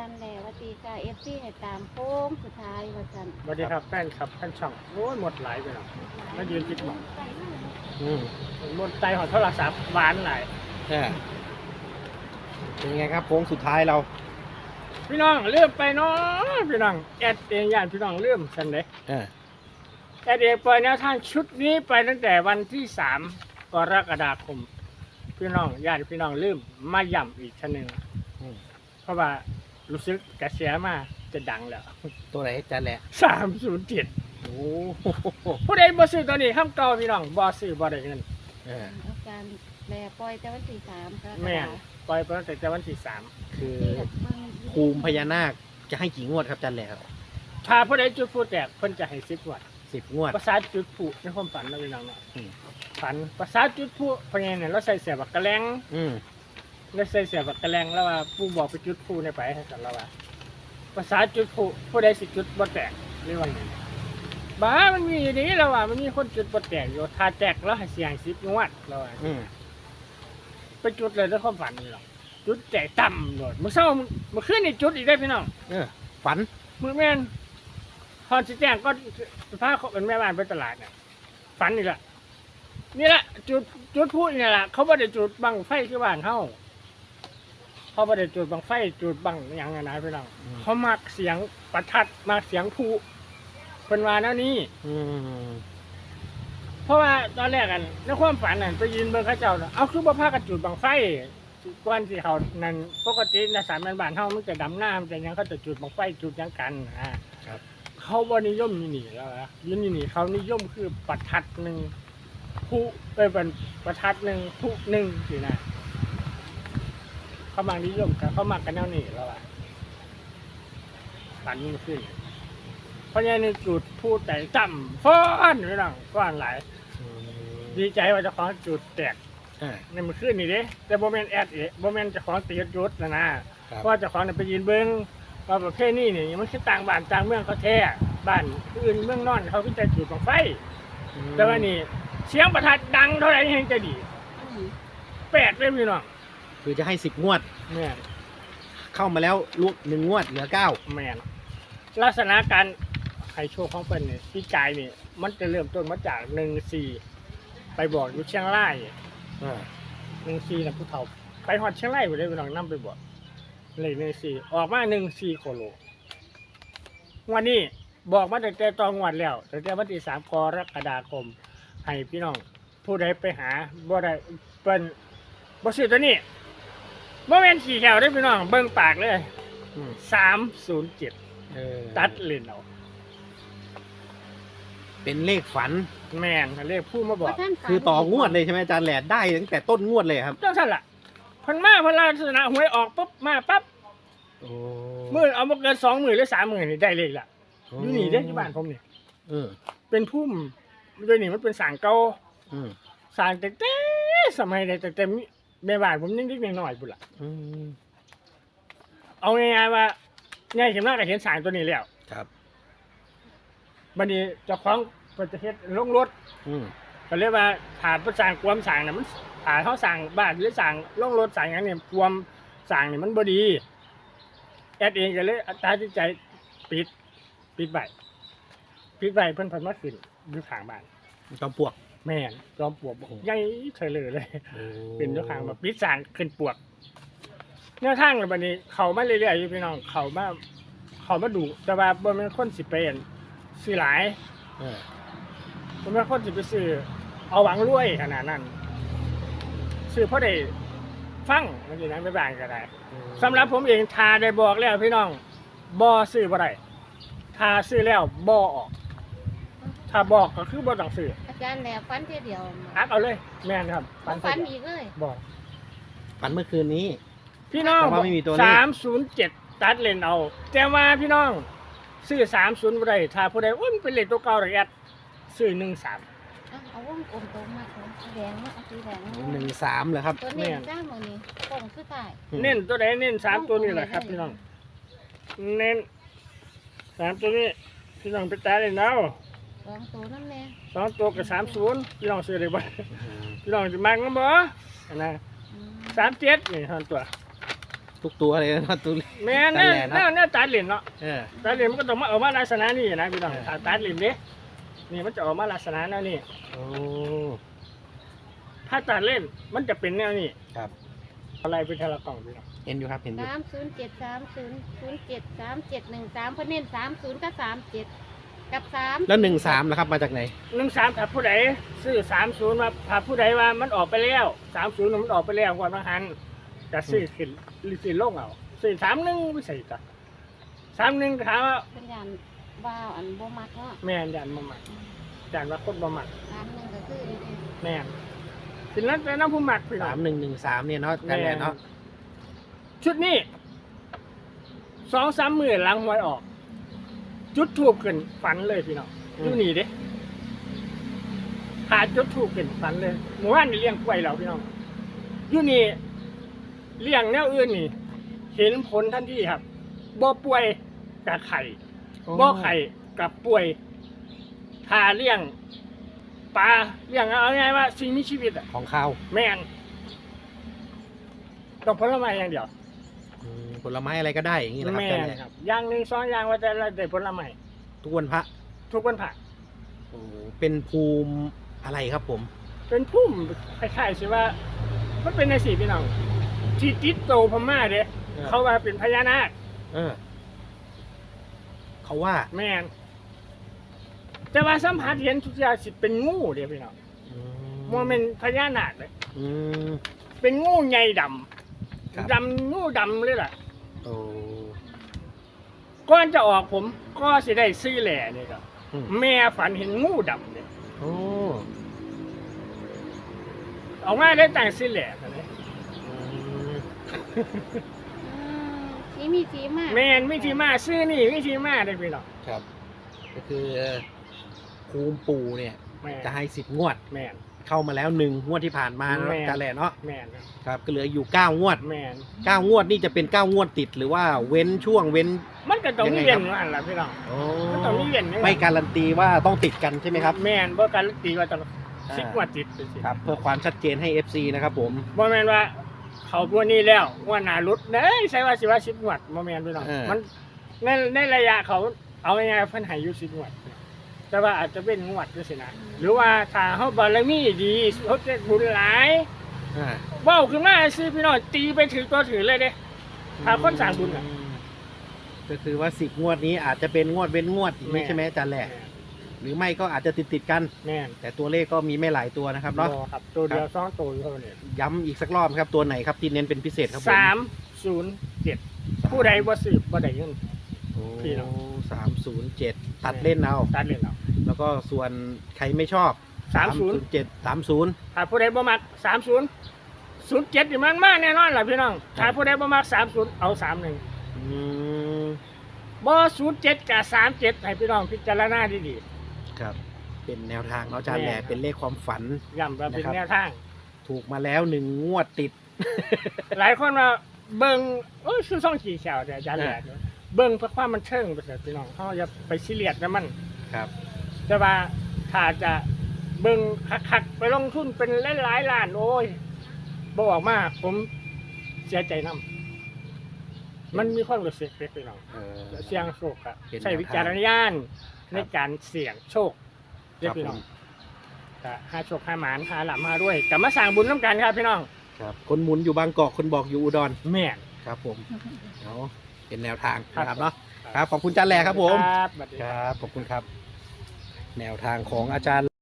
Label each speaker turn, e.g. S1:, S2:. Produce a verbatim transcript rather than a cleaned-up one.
S1: ารย์แล้วว่าตีกาเอฟซีให้ตามโค้งสุดท้ายว่าจัน
S2: สวัสดีครับแฟนครับแฟนช่องโอ้ยหมดหลายไปแล้วมายืนคิดหมอง
S3: อืม
S2: หมดใจของโทรศัพท์หวานหลาย
S3: ใช่เป็นไงครับโค้งสุดท้ายเรา
S2: พี่น้องเลื่อมไปเนาะพี่น้องแอดเองย่านพี่น้องเลื่อมสันเลย
S3: เออ
S2: แอดเองปล่อยแนวทางชุดนี้ไปตั้งแต่วันที่สามกรกฎาคมพี่น้องญาติพี่น้องเลื่อมมาย่ำอีกชั้นหนึ่ง
S3: อืม
S2: เพราะว่ารู้สึกกระแสมาจะดังแล้ว
S3: ตัวไหนจันแหละ
S2: สามศูนย์เจ็ด
S3: โอ้โห
S2: ผู้ใดบ่ซื้อตัวนี้ข้ามเก่าพี่น้องบ่ซื้อบ่ได้เงิน
S3: เออ
S1: อาจารย์แลปล่อยแต่วันที่สามกรกฎาค
S2: แม่นปล่อยไปตั้งแต่วันที่สาม
S3: คือ
S1: นี่แหละเบิ่ง
S3: ภูมิพญานาคจะให้กี่งวดครับจันแหละครับ
S2: ถ้าผู้ใดจุดผู้แตกเพิ่นจะให้สิบวัต
S3: สิบงวด
S2: ภาษาจุดผู้ในความฝันนะพี่น้องเนาะ
S3: อืม
S2: ฝันภาษาจุดผู้เพราะงั้นเนี่ยเราใส่เสียบักกระแลง
S3: อืม
S2: เราใส่เสียบักกระแลงแล้วว่าผู้บอกไปจุดผู้ในไปให้กันแล้วว่าภาษาจุดผู้ผู้ใดสิจุดบ่แตกหรือว่าไงบ้ามันมีอย่างนี้แล้วว่ามันมีคนจุดบ่แตกอยู่ถ้าแตกแล้วให้เสียงสิบงวดแล้วว่า
S3: อืม
S2: ไปจุดเลยในความฝันนี่หรอกจุดแตกต่ำโดดมื้อเช้ามื้อคืนนี่จุดอีกได้พี่น้อง
S3: เออฝัน
S2: มื้อแม่นพอสิแจ้งก็พาเขาเป็นแม่บ้านไปตลาดน่ะฝันนี่แหละนี่แหละจุดจุดพูดนี่แหละเขาบ่ได้จุดบังไฟคือบ้านเฮาเขาบ่ได้จุดบังไฟจุดบังหยังไงนะพี่น้อง
S3: อืม
S2: เขามักเสียงประทัดมักเสียงพลุเพิ่นว่าแนวนี้
S3: อืม
S2: เพราะว่าตอนแรกกันในความฝันนั่นไปยืนเบิ่งเขาเจ้าน่ะเอาคือบ่พากันจุดบังไฟก่อนที่เขานั่นปกติในสามแม่นบ้านเฮามันจะดำน้ำจะหยังเขาจะจุดบังไฟจุดหยังกันอ่า
S3: ครับ
S2: เขาบ่นิยมนี่นี่แล้วนะยืนนี่นี่เขานิยมคือประทัดหนึ่งผู้เอ้ยเป็นประทัดหนึ่งผู้หนึ่งสินะเขามานิยมกันเขามากันแนวนี้แล้วอ่ะปันมันขึ้นเพราะงั้นนี่จุดพูดแต่จำฟ้อนไม่ต้องฟ้อนหลาย
S3: อืม
S2: ดีใจว่าเจะของจุดแตก
S3: อ่า
S2: ในมือขึ้นนี่เด้แต่โบแมนแอดเอ๋โบแมนเจะของตีจุดนะนะครับ เพราะว่าเจะของน่ะไปยืนเบิ้งว่าประเภทนี้นี่มันคือต่างบ้านต่างเมืองเขาแท้บ้านอื่นเมืองนอนเขาก็จะจุดบังไฟ แต่ว่านี่เสียงประทัดดังเท่าไหร่ยังจะดีแปดเลยพี่น้อง
S3: คือจะให้สิบงวด
S2: แม่น
S3: เข้ามาแล้วลูกหนึ่งงวดเหลือเก้า
S2: แม่นลักษณะการให้โชคของเพิ่นนี่พี่กายนี่มันจะเริ่มต้นมาจากหนึ่งสี่ไปบอกอยู่เชียงราย
S3: อ่า
S2: หนึ่งสี่นะผู้เฒ่าไปฮอดเชียงรายไปเลยพี่น้องนํไปบอกเลยหนึ่งสี่ออกมาหนึ่งสี่โคโลวันนี้บอกมาตั้งแต่ตอนงวดแล้วตั้งแต่วันที่สามกรกฎาคมให้พี่น้องผู้ใดไปหาบ่ได้เปิ้นบ่ซื้อตัวนี้บ่แม่นขี่แถวได้อพี่น้องเบิ่งปากเลย
S3: อืม
S2: สามศูนย์เจ็ด
S3: เออ
S2: ตัดเลนเอา
S3: เป็นเลขฝัน
S2: แม่นเรียกผู้มาบอก
S1: ว่าท่านฝัน
S3: คือต่องวดเลยใช่ไหมอาจารย์แหละได้ตั้งแต่ต้นงวดเลยครับ
S2: จังซั่นล่ะเพิ่นมาเพิ่นลักษณะหวยออกปุ๊บมาปั๊บ
S3: โอ้
S2: มื้อเอาบ่เกินสองมื้อหรือสามมื้อนี่ได้เลขละอยู่นี่เด้อที่บ้านผมนี่
S3: เออ
S2: เป็นพุ่มด้วยนี่มันเป็นสางเก่า
S3: อืม
S2: สางแต่แต่สมัยใดแต่แต่แม่บ้านผมยังเด็กๆน้อยๆพุ่นล่ะ
S3: อืม
S2: เอาง่ายๆว่าใหญ่ขึ้นมาก็เห็นสางตัวนี้แล้ว
S3: ครับ
S2: บัดนี้เจ้าของเพิ่นจะเฮ็ดลงรถ
S3: อืม
S2: ก็เรียกว่าถาดประสร้างความสร้างน่ะมันถาดเขาสร้างบ้านหรือสร้างลงรถสร้างอย่างนี้ความสร้างนี่มันบ่ดีแอดเองก็เลยตัดสินใจปิดปิดไว้ปิดไว้เพิ่นเพิ่นมาขึ้นอยู่ข้างบ้าน
S3: จอมปลวก
S2: แม่นจอมปลวกบอกใหญ่เฉยเลยเลย
S3: โอ้
S2: เป็นอยู่ข้างมาปิดสร้างขึ้นปลวกแนวทางเลยบัดนี้เข้ามาเรื่อยๆอยู่พี่น้องเข้ามาเข้ามาดูแต่ว่าบ่แม่นคนสิไปอั่นซื้อหลาย
S3: เออ
S2: ผมเป็นคนสิไปซื้อเอาหวังรวยขนาดนั้นซื้อเพราะได้ฟังมันสินั้นไม่บางก็ได้สำหรับผมเองทาได้บอกแล้วพี่น้องบ่ซื้อบ่ได้ทาซื้อแล้วบ่ออกถ้าบอกก็คือบ่ต้องซื้อ
S1: อาจารย์แล้วฝันเทียเดียว
S2: อักเอาเลย แม่นครับ
S1: ฝัน
S2: เสีย
S1: อีกเลย
S2: บอก
S3: ฝันเมื่อคืนนี้
S2: พี่น้อง
S3: แต่ว่าไม่มีตัวเลข
S2: สามศูนย์เจ็ดตัดเลนเอาแต่ว่าพี่น้องซื้อสามศูนย์บ่ได้ถ้าผู้ใดโอ้ยมันเป็นเลขตัวเก่าหรือแอดซื้อหนึ่งสาม
S1: เอาเอาวงกลมตรงมาของสีแดงมาเอาสีแดงมา
S3: หนึ่งสามเหรอครับ
S1: ตัวนี้จ้าหมดนี่กล่องคือตาย
S2: เน้นตัวใดเน้นสามตัวนี้แหละครับพี่น้อง เน้นสามตัวนี้พี่น้องไปตายเลยเนาะ
S1: สองตัวนั่นแหละ
S2: สองตัวกับสามศูนย์พี่น้องซื้อได้บ่พี่น้องจะมักนะบ่อันนะ
S1: อืม
S2: สามเจ็ดนี่ท่านตัว
S3: ทุกตัวเลยนะตัว
S2: แม่น
S3: นั่
S2: แน่
S3: นแหละเนอะ
S2: แน่แน่ตัดเหรียญเนาะ
S3: เออ
S2: ตัดเหรียญมันก็ต้องมาออกมาลักษณะนี้นะพี่น้อง
S3: เออ
S2: ถ้าตัดเหรียญเด้นี่มันจะออกมาลักษณะแนวนี้
S3: โอ้
S2: ถ้าตัดเล่นมันจะเป็นแนวนี้
S3: ครับ
S2: อะไรเป็นทะละกล่องพี่น้อง
S3: เห็นอยู่ครับเห็นอยู่
S1: สามศูนย์เจ็ดสามศูนย์ศูนย์เจ็ดสามเจ็ดหนึ่งสามเพิ่นเน้นสามศูนย์กับสามเจ็ดกับสาม
S3: แล้วหนึ่งสามนะครับมาจากไหน
S2: หนึ่งสามถ้าผู้ใดซื้อสามศูนย์มาถ้าผู้ใดว่ามันออกไปแล้วสามศูนย์มันออกไปแล้วก่อนบางหันจะซื้อขึ้นหรือซื้อลงเอาซื้อสามหนึ่งไม่ใส่ต่อสามหนึ่งถามว่า
S1: เป็นยันว้าวอันบ่มักเนาะ
S2: แม่นยันมาหมักยันว่าคนบ่หมัก
S1: สามหนึ่งก็คือนี่เอง
S2: แม่นสินั้นแต่น้ำผู้หมักพี่น้อ
S3: สาง มหนึ่งหนึ่งสามเนี่ยเนาะกันแหละเนาะ
S2: ชุดนี้สองสามหมื่นหลังหวยออก จุดทูบขึ้นฝันเลยพี่น้องอยู่นี่เด้หาจุดทูบขึ้นฝันเลยหมู่บ้านนี่เลี้ยงกล้วยแล้วพี่น้องอยู่นี่เลี้ยงแนวอื่นนี่ เห็นผลทันทีครับบ่ป่วยกับไข่บ่ไข่กับป่วยถ้าเลี้ยงปลาเลี้ยงเอาง่ายๆว่าสิ่งมีชีวิตอะ
S3: ของข้าว
S2: แม่นต้องผลไม้อย่างเดียว
S3: อืมผลไม้อะไรก็ได้อย่างนี้นะครับ
S2: แม่
S3: กัน
S2: น
S3: แหละ
S2: ครับอย่างหนึ่งสองอย่างว่าแต่ละได้ผลไม้
S3: ทุกวันพระ
S2: ทุกวันผัก
S3: โอ้เป็นภูมิอะไรครับผม
S2: เป็นพุ่มคล้ายๆสิว่ามันเป็นในสีพี่น้องที่ติดโตพม่าเด้เขาว่าเป็นพญานาค
S3: เออเขาว่า
S2: แม่นแต่ว่าสัมผัสเห็นทุกอย่างสิเป็นงูเด้พี่น้อง
S3: อื
S2: มันเป็นพญานาคเลย
S3: อืม
S2: เป็นงูใหญ่ด
S3: ครับ
S2: ำดำงูดำเลยล่ะ
S3: โอ้
S2: ก่อนจะออกผมก็สิได้ซื้อแหล่นี่ครับ
S3: อืม
S2: แม่ฝันเห็นงูดำเนี่ย
S3: โอ้
S2: ออกมาได้แต่งซื้อแหล่กันเลย
S3: อืม
S1: อืมสีมีสีมาก
S2: แม่นวิธีมาซื้อนี่วิธีมาได้พี่น้อง
S3: ครับ ก็คือภูมิปู่เนี่ย
S2: แม่น
S3: จะให้สิบงวด
S2: แม่น
S3: เข้ามาแล้วหนึ่งงวดที่ผ่านมา
S2: แม่น
S3: กันแหละเนาะ
S2: แม่น
S3: ครับก็เหลืออยู่เก้างวด
S2: แม่น
S3: เก้างวดนี่จะเป็นเก้างวดติดหรือว่าเว้นช่วงเว้น
S2: มันก็ต้อง
S3: ยังไง
S2: มีเวียน
S3: ครับ
S2: อันละพี่น้อง
S3: โอ้
S2: มันต้องมีเวียนนี่
S3: ไม่การันตีว่าต้องติดกันใช่ไหมครับ
S2: แม่นบ่การันตีว่าต้อง
S3: อ่า
S2: สิบกว่าติดไปสิ
S3: ครับ เพื่อความชัดเจนให้ เอฟ ซี นะครับผม
S2: บ่แม่นว่า เขาพวกนี้แล้วว่าหนารุดเด้ยใช่ว่าสิว่าสิบงวดบ่แม่นพี่น้อง
S3: เออ
S2: มันในในระยะเขาเอาง่ายๆเพิ่นให้อยู่สิบงวด แต่ว่าอาจจะเป็นงวดด้วยสินะหรือว่าถ้าเฮาบารมีดีเฮาจะบุญหลาย
S3: อ่า
S2: เว้าขึ้นมาสิพี่น้องตีไปถือตัวถือเลยเด้ ถ้าคนสร้างบุญน่ะ
S3: ก็คือว่าสิบงวดนี้อาจจะเป็นงวดเว้นงวดอย่างนี้ใช่ไหมอาจารย์แหละหรือไม่ก็อาจจะติดติดๆกัน
S2: แม่น
S3: แต่ตัวเลขก็มีไม่หลายตัวนะครับเนาะ
S2: บ่ครับตัวเดียวสองตัวอยู่เท่านี้
S3: ย้ำอีกสักรอบครับตัวไหนครับที่เน้นเป็นพิเศษครับผม
S2: สามศูนย์เจ็ดผู้ใดบ่สืบบ่ได้เงิน
S3: โอ้
S2: พี่น้อง
S3: สามศูนย์เจ็ดตัดเล่นเอา
S2: ตัดเล่นเอา
S3: แล้วก็ส่วนใครไม่ชอบ
S2: สามศูนย์
S3: เจ็ดสามศูนย์
S2: ถ้าผู้ใดบ่มักสามศูนย์ศูนย์เจ็ดนี่มันมาแน่นอนล่ะพี่น้องถ้าผู้ใดบ่มักสามศูนย์เอาสามหนึ่ง
S3: อืม
S2: บ่ศูนย์เจ็ดกับสามเจ็ดให้พี่น้องพิจารณาดี
S3: ครับ เป็นแนวทางเนาะอาจารย์แหละ
S2: แน่ครับ
S3: เป็นเลขความฝัน
S2: ๆย้ำว่าเป็น
S3: นะครับ
S2: แนวทาง
S3: ถูกมาแล้วหนึ่งงวดติด
S2: หลายคนว่าเบิ่งโอ้ยคือซ่องขี่แฉวแต่อาจารย์แหละเบิ่งเพื่อความมันเชิงไปเถิดพี่น้องเฮาอย่าไปซีเรียสนะมัน
S3: ครับ
S2: แต่ว่าถ้าจะเบิ่งคักๆไปลงทุนเป็นหลายๆล้านโอ้ยบ่ออกมาผมเสียใจนํมันมีความรู้สึกเล็กๆน้อง
S3: เออ
S2: เสี่ยงโชคอะ
S3: เป็นแนวทาง
S2: ใช้วิจารณญาณในการเสี่ยงโชคเล็ก
S3: ครับ
S2: พี่น้อง
S3: ผม
S2: ก็หาโชคหาหมานหาหลับมาด้วยกลับมาสร้างบุญน้ำกันครับพี่น้อง
S3: ครับ คนหมุนอยู่บางกอกคนบอกอยู่อุดร
S2: แม่น
S3: ครับผมเนาะเป็นแนวทาง
S2: ครับ
S3: นะครับเนาะครับขอบคุณอาจารย์แหล่ครับผม
S2: ครับสวัสดี
S3: ค
S2: ครับ
S3: รับขอบคุณครับ แนวทางของอาจารย์